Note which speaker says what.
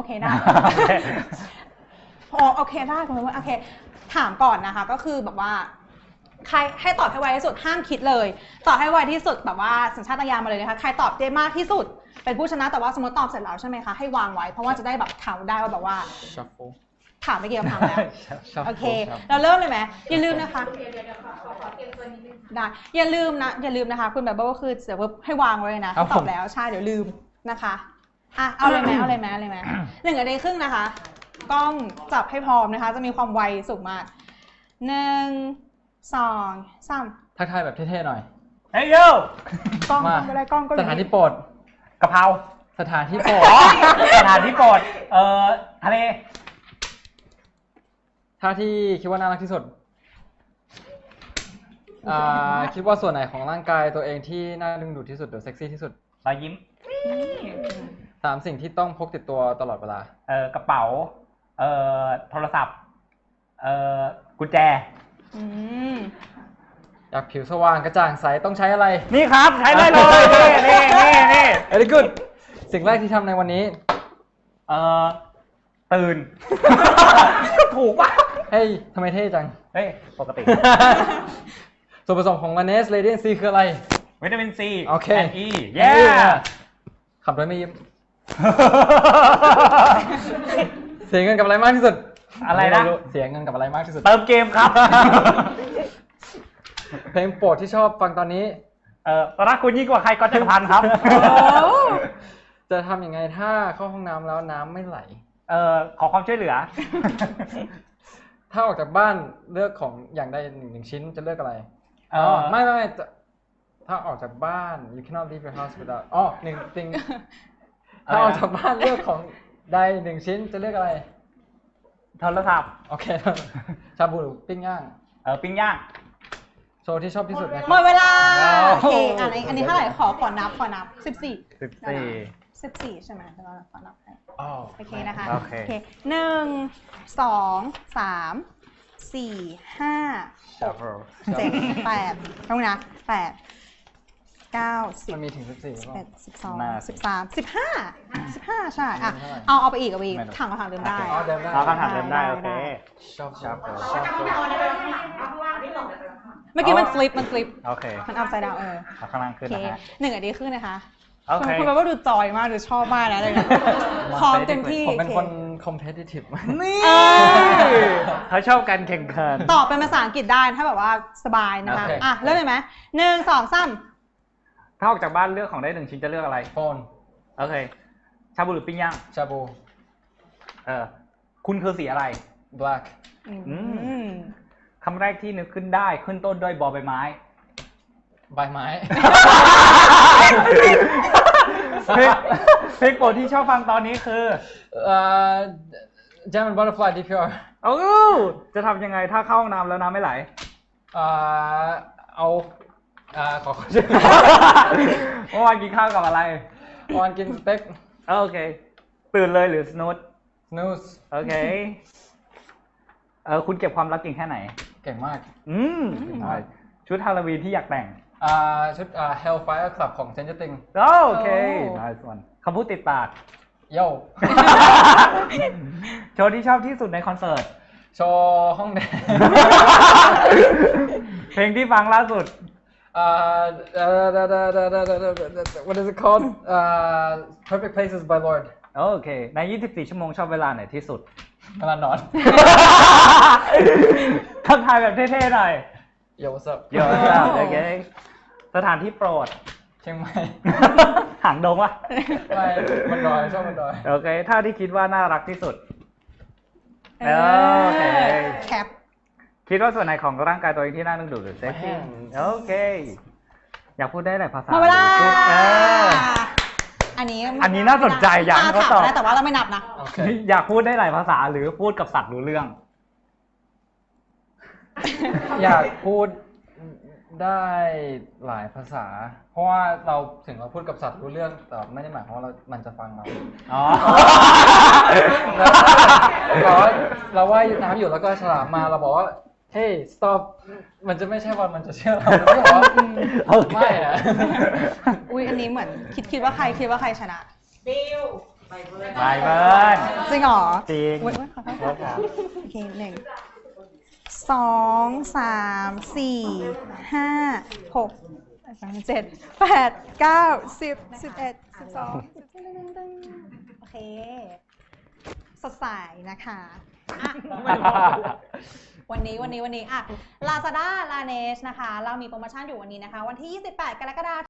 Speaker 1: เคได้โอเคได้คุณว่าโอเคถามก่อนนะคะก็คือแบบว่าใครให้ตอบให้ไวที่สุดห้ามคิดเลยตอบให้ไวที่สุดแบบว่าสัญชาตญาณมาเลยนะคะใครตอบได้มากที่สุดเป็นผู้ชนะแต่ว่าสมมติตอบเสร็จแล้วใช่ไหมคะให้วางไว้เพราะว่าจะได้แบบถามได้ว่าแบบว่าถามไม่เกี่ยวกับถามแล้วโอเคเราเริ่มเลยไหมอย่าลืมนะคะขอเตรียมตัวนิดนึงได้อย่าลืมนะคะคุณแบบว่าคือเดี๋ยวให้วางไว้นะตอบแล้วใช่เดี๋ยวลืมนะคะอ่ะเอาเลยไหม1 นาทีครึ่งนะคะกล้องจับให้พร้อมนะคะจะมีความไวสูงมาก1 2 3
Speaker 2: ทักทายแบบเท่ๆหน่อย
Speaker 3: เฮ้ยโย
Speaker 1: กล้องก็ได้กล้องก็
Speaker 2: สถานที่โปรด
Speaker 3: กะเพรา
Speaker 2: สถานที่โปรด
Speaker 3: สถานที่โปรดทะเล
Speaker 2: ท่าที่คิดว่าน่ารักที่สุดคิดว่าส่วนไหนของร่างกายตัวเองที่น่าดึงดูดที่สุดหรือเซ็กซี่ที่สุด
Speaker 3: รอยยิ้ม
Speaker 2: 3 สิ่งที่ต้องพกติดตัวตลอดเวล
Speaker 3: ากระเป๋าโทรศัพท์กุญแจ
Speaker 2: อยากผิวสว่างกระจ่างใสต้องใช้อะไร
Speaker 3: นี่ครับใช้ได้เลยนี่
Speaker 2: very good สิ่งแรกที่ทำในวันนี้
Speaker 3: ตื่นถูกป่ะ
Speaker 2: เฮ้ยทำไมเท่จัง
Speaker 3: เฮ้ยปกติ
Speaker 2: ส่วนผสมของ Laneige Radiant C คืออะไร
Speaker 3: วิตามินซี
Speaker 2: โอเค
Speaker 3: and E เย้
Speaker 2: ขับรถไม่ยิ้มเสียเงินกับอะไรมากที่สุด
Speaker 3: อะไรนะ
Speaker 2: เสียเงินกับอะไรมากที่สุด
Speaker 3: เติมเกมครับ
Speaker 2: เพลงโปรดที่ชอบฟังตอนนี้
Speaker 3: รักคุณยิ่งกว่าใครก็จะพันครับ
Speaker 2: จะทำยังไงถ้าเข้าห้องน้ำแล้วน้ำไม่ไหล
Speaker 3: ขอความช่วยเหลือ
Speaker 2: ถ้าออกจากบ้านเลือกของอย่างใด1 ชิ้นจะเลือกอะไรไม่ถ้าออกจากบ้าน you cannot leave your house without 1 thing ถ้าออกจากบ้านเลือกของใด1 ชิ้นจะเลือกอะไร
Speaker 3: โทรศัพท์
Speaker 2: โอเคชาบูหรือปิ้งย่าง
Speaker 3: ปิ้งย่าง
Speaker 2: โชว์ที่ชอบที่สุดนะ
Speaker 1: หมดเวลาโอเคอันนี้เท่าไหร่ขอนับ14ใช่ไหมจะขอนับให้โอเคนะคะโอเค1 2 3 4 5 6 7 8ต้องนะ8 9 10
Speaker 2: มันมีถึง14
Speaker 1: 11 12 13 15ใช่อ่ะเอาไปอีกถังคำถามเดิมได้
Speaker 3: เอาคำถามเดิมได้โอเค
Speaker 2: ชอบ
Speaker 1: เมื่อกี้มันฟลิป
Speaker 3: โอเค
Speaker 1: มันอัพไซด์ดาว
Speaker 3: ข้างล่างขึ้นนะฮะ
Speaker 1: 1 นาทีครึ่งนะคะ
Speaker 3: คุณ
Speaker 1: แบบว่าดูจอยมากดูชอบมากนะเลยพร้อมเต็มที่
Speaker 2: ผมเป็นคน competitive
Speaker 3: นี่เขาชอบการแข่งขัน
Speaker 1: ตอบเป็นภาษาอังกฤษได้ถ้าแบบว่าสบายนะคะอ่ะเริ่มเลยไหม1 2 3
Speaker 3: ถ้าออกจากบ้านเลือกของได้1 ชิ้นจะเลือกอะไร
Speaker 2: โฟน
Speaker 3: โอเคชาบูหรือปิ้งย่าง
Speaker 2: ชาบู
Speaker 3: คุณคือสีอะไร
Speaker 2: black
Speaker 3: คำแรกที่นึกขึ้นได้ขึ้นต้นด้วยบอใบไม้
Speaker 2: ใบไม้
Speaker 3: เพลงโปรดที่ชอบฟังตอนนี้คือ
Speaker 2: German Butterfly DPR
Speaker 3: จะทำยังไงถ้าเข้าห้องน้ำแล้วน้ำไม่ไหล
Speaker 2: ขอชื่อ
Speaker 3: เมื่อวานกินข้าวกับอะไร
Speaker 2: เมื่อวานกินสเต็ก
Speaker 3: โอเคตื่นเลยหรือ snooze โอเคคุณเก็บความลับเก่งแค่ไหน
Speaker 2: เก่งมาก
Speaker 3: ชุดฮาโลวีนที่อยากแต่ง
Speaker 2: ชุดHellfire Club ของ Stranger Things
Speaker 3: โอเคnice one คำพูดติดปาก
Speaker 2: โย่
Speaker 3: โชว์ที่ชอบที่สุดในคอนเสิร์ต
Speaker 2: โชว์ห้องแดง
Speaker 3: เพลงที่ฟังล่าสุด
Speaker 2: what is it called Perfect Places by Lorde
Speaker 3: โอเคใน24 ชั่วโมงชอบเวลาไหนที่สุด
Speaker 2: เวลานอน
Speaker 3: ทักทายแบบเท่ๆหน่อย
Speaker 2: Yo what's up
Speaker 3: โอเคสถานที่โปรด
Speaker 2: เชียงใหม่
Speaker 3: หางดงวะ
Speaker 2: ไม่มันดอยชอบมันดอย
Speaker 3: โอเคถ้าที่คิดว่าน่ารักที่สุดโอเค
Speaker 1: แคป
Speaker 3: คิดว่าส่วนไหนของร่างกายตัวเองที่น่าดึงดูดหรือเซ็กซี่โอเคอยากพูดได้หลายภาษา
Speaker 1: อัน
Speaker 3: นี้น่าสนใจอยากให้เขาตอบ
Speaker 1: แต่ว่าเราไม่นับนะ
Speaker 3: อยากพูดได้หลายภาษาหรือพูดกับสัตว์รู้เรื่อง
Speaker 2: อยากพูดได้หลายภาษาเพราะว่าเราถึงเราพูดกับสัตว์รู้เรื่องแต่ไม่ได้หมายความว่ามันจะฟังเราเราว่ายน้ำอยู่แล้วก็ฉลามมาเราบอกว่าเฮ้ย stop มันจะไม่ใช่วันมันจะเชื่อเราไม่บอกว่าไม่นะ
Speaker 1: อุ้ยอันนี้เหมือนคิดว่าใครชนะ
Speaker 4: บิว
Speaker 3: บายเบิร์น
Speaker 1: จริงเหรอ
Speaker 3: จริง
Speaker 1: อุ๊ยขอโทษ
Speaker 3: เลิกครับ
Speaker 1: โอเค1 2 3 4 5 6 7 8 9 10 11 12 โอเค สดใสนะคะอ่ะวันนี้อ่ะ Lazada Laneige นะคะ เรามีโปรโมชั่นอยู่วันนี้นะคะ วันที่ 28 กรกฎาคม